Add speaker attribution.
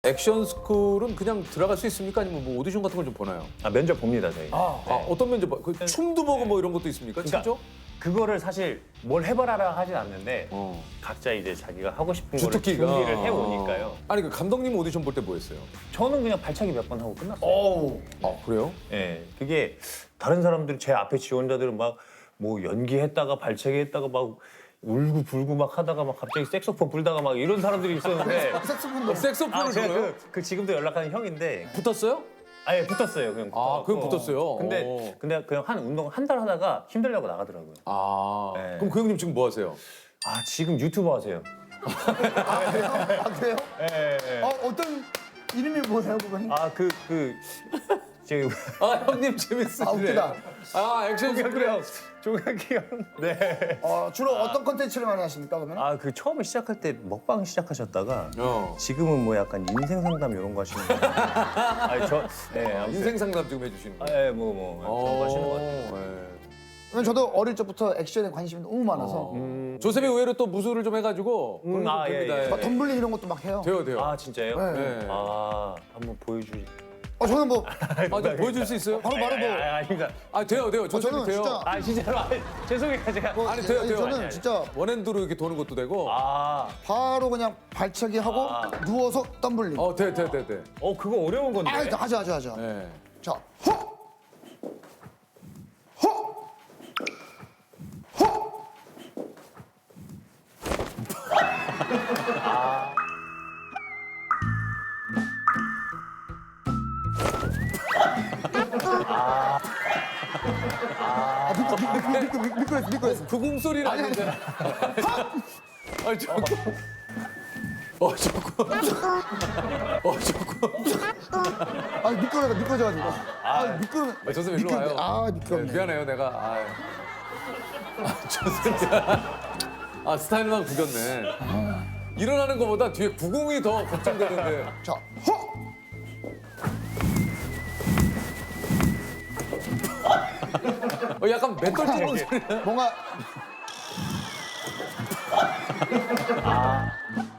Speaker 1: 액션 스쿨은 그냥 들어갈 수 있습니까? 아니면 뭐 오디션 같은 걸 좀 보나요?
Speaker 2: 아, 면접 봅니다, 저희.
Speaker 1: 어떤 면접? 그 춤도 보고 뭐 이런 것도 있습니까?
Speaker 2: 그러니까
Speaker 1: 진짜?
Speaker 2: 그거를 사실 뭘 해봐라 하진 않는데
Speaker 1: 어.
Speaker 2: 각자 이제 자기가 하고 싶은 거를
Speaker 1: 주특기가.
Speaker 2: 준비를 해오니까요.
Speaker 1: 아니 그 감독님 오디션 볼 때 뭐 했어요?
Speaker 2: 저는 그냥 발차기 몇 번 하고 끝났어요.
Speaker 3: 오.
Speaker 1: 그래요?
Speaker 2: 예, 그게 다른 사람들 제 앞에 지원자들은 막 뭐 연기했다가 발차기 했다가 막 울고 불고 막 하다가 막 갑자기 색소폰 불다가 막 이런 사람들이 있었는데
Speaker 3: 색소폰도
Speaker 1: 색소폰을
Speaker 2: 제가
Speaker 1: 불어요?
Speaker 2: 그 지금도 연락하는 형인데
Speaker 1: 붙었어요?
Speaker 2: 아예 붙었어요. 그냥
Speaker 1: 그냥 붙었어요?
Speaker 2: 근데 그냥 한 운동 한 달 하다가 힘들려고 나가더라고요.
Speaker 1: 네.
Speaker 2: 네.
Speaker 1: 그럼 그 형님 지금 뭐 하세요?
Speaker 2: 아 지금 유튜버 하세요.
Speaker 3: 아 그래요? 아 그래요?
Speaker 2: 예.
Speaker 3: 어떤 이름이 뭐예요 그분?
Speaker 2: 제
Speaker 1: 형님 재밌으시네.
Speaker 3: 웃기다.
Speaker 1: 액션 스쿨 형.
Speaker 2: 조각이 형. 네.
Speaker 3: 주로 어떤 컨텐츠를 많이 하십니까 그러면?
Speaker 2: 그 처음에 시작할 때 먹방 시작하셨다가
Speaker 1: 어.
Speaker 2: 지금은 뭐 약간 인생 상담 이런 거 하시는 거예요. 아니 아무튼.
Speaker 1: 인생 상담 지금 해주시는 거예요?
Speaker 2: 뭐 그런 거 하시는 것 같아요.
Speaker 3: 왜냐면 저도 어릴 적부터 액션에 관심이 너무 많아서
Speaker 1: 조셉이 의외로 또 무술을 좀 해가지고 그런 거
Speaker 2: 예,
Speaker 1: 됩니다.
Speaker 2: 예.
Speaker 3: 막 덤블링 이런 것도 막 해요.
Speaker 1: 돼요.
Speaker 2: 아 진짜요?
Speaker 3: 네.
Speaker 2: 한번 보여주시.
Speaker 3: 저는 뭐
Speaker 1: 좀 보여줄 수 있어요?
Speaker 3: 바로 뭐
Speaker 2: 아닙니다.
Speaker 1: 돼요. 조셉이
Speaker 3: 저는
Speaker 1: 돼요.
Speaker 3: 진짜
Speaker 2: 진짜로 죄송해요 제가.
Speaker 1: 아니, 돼요.
Speaker 3: 저는 진짜
Speaker 1: 원핸드로 이렇게 도는 것도 되고.
Speaker 3: 바로 그냥 발차기 하고 누워서 덤블링.
Speaker 1: 돼.
Speaker 2: 그거 어려운 건데.
Speaker 3: 하자.
Speaker 1: 네.
Speaker 3: 자, 허! 허! 허! 미끄러졌어.
Speaker 1: 그 궁소리는 아닌데. 아니 조금.
Speaker 3: 미끄러져가지고. 미끄러.
Speaker 1: 조셉 일로 와요.
Speaker 3: 미끄럽네.
Speaker 1: 미안해요 내가. 조셉. 스타일만 구겼네. 일어나는 것보다 뒤에 구공이 더 걱정되는데.
Speaker 3: 자, 허!
Speaker 1: 약간 맷돌 찌르는 소리.
Speaker 3: 뭔가